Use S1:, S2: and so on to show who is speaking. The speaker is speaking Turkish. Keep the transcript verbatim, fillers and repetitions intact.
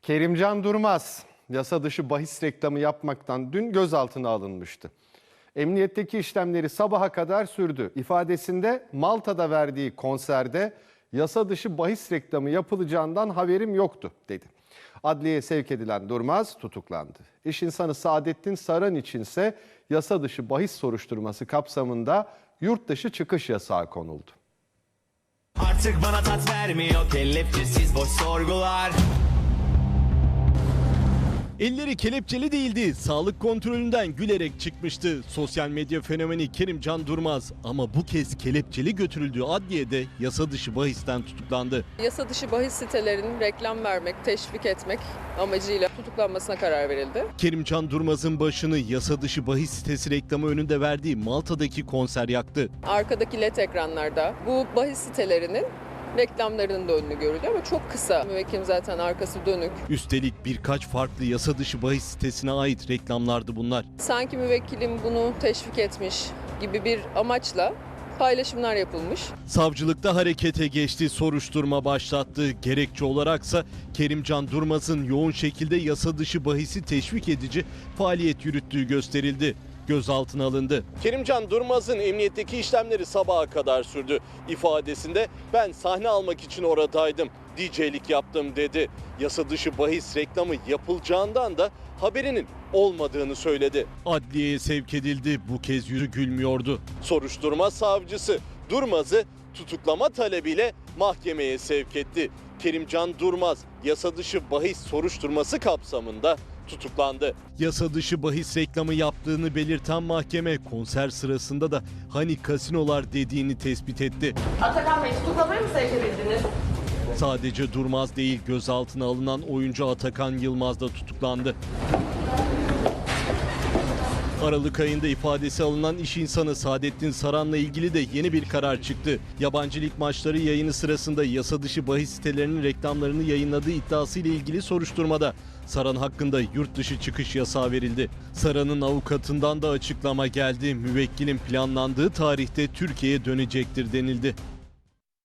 S1: Kerimcan Durmaz yasa dışı bahis reklamı yapmaktan dün gözaltına alınmıştı. Emniyetteki işlemleri sabaha kadar sürdü. İfadesinde Malta'da verdiği konserde yasa dışı bahis reklamı yapılacağından haberim yoktu dedi. Adliyeye sevk edilen Durmaz tutuklandı. İş insanı Saadettin Saran içinse yasa dışı bahis soruşturması kapsamında yurt dışı çıkış yasağı konuldu.
S2: Artık bana tat vermiyor kelepçesiz boş sorgular.
S3: Elleri kelepçeli değildi. Sağlık kontrolünden gülerek çıkmıştı. Sosyal medya fenomeni Kerimcan Durmaz ama bu kez kelepçeli götürüldüğü adliyede yasa dışı bahisten tutuklandı.
S4: Yasa dışı bahis sitelerinin reklam vermek, teşvik etmek amacıyla tutuklanmasına karar verildi.
S3: Kerimcan Durmaz'ın başını yasa dışı bahis sitesi reklamı önünde verdiği Malta'daki konser yaktı.
S4: Arkadaki led ekranlarda bu bahis sitelerinin reklamlarının da önünü görülüyor ama çok kısa. Müvekkilim zaten arkası dönük.
S3: Üstelik birkaç farklı yasa dışı bahis sitesine ait reklamlardı bunlar.
S4: Sanki müvekkilim bunu teşvik etmiş gibi bir amaçla paylaşımlar yapılmış.
S3: Savcılıkta harekete geçti, soruşturma başlattı. Gerekçe olaraksa Kerimcan Durmaz'ın yoğun şekilde yasa dışı bahisi teşvik edici faaliyet yürüttüğü gösterildi. Gözaltına alındı. Kerimcan Durmaz'ın emniyetteki işlemleri sabaha kadar sürdü. İfadesinde ben sahne almak için oradaydım, D J'lik yaptım dedi. Yasa dışı bahis reklamı yapılacağından da haberinin olmadığını söyledi. Adliyeye sevk edildi. Bu kez yüzü gülmüyordu. Soruşturma savcısı Durmaz'ı tutuklama talebiyle mahkemeye sevk etti. Kerimcan Durmaz yasa dışı bahis soruşturması kapsamında tutuklandı. Yasa dışı bahis reklamı yaptığını belirten mahkeme konser sırasında da hani kasinolar dediğini tespit etti.
S5: Atakan Bey, tutuklamaya mı sevk edildiniz?
S3: Sadece Durmaz değil, gözaltına alınan oyuncu Atakan Yılmaz da tutuklandı. Aralık ayında ifadesi alınan iş insanı Saadettin Saran'la ilgili de yeni bir karar çıktı. Yabancı lig maçları yayını sırasında yasa dışı bahis sitelerinin reklamlarını yayınladığı iddiasıyla ilgili soruşturmada Saran hakkında yurt dışı çıkış yasağı verildi. Saran'ın avukatından da açıklama geldi. Müvekkilin planlandığı tarihte Türkiye'ye dönecektir denildi.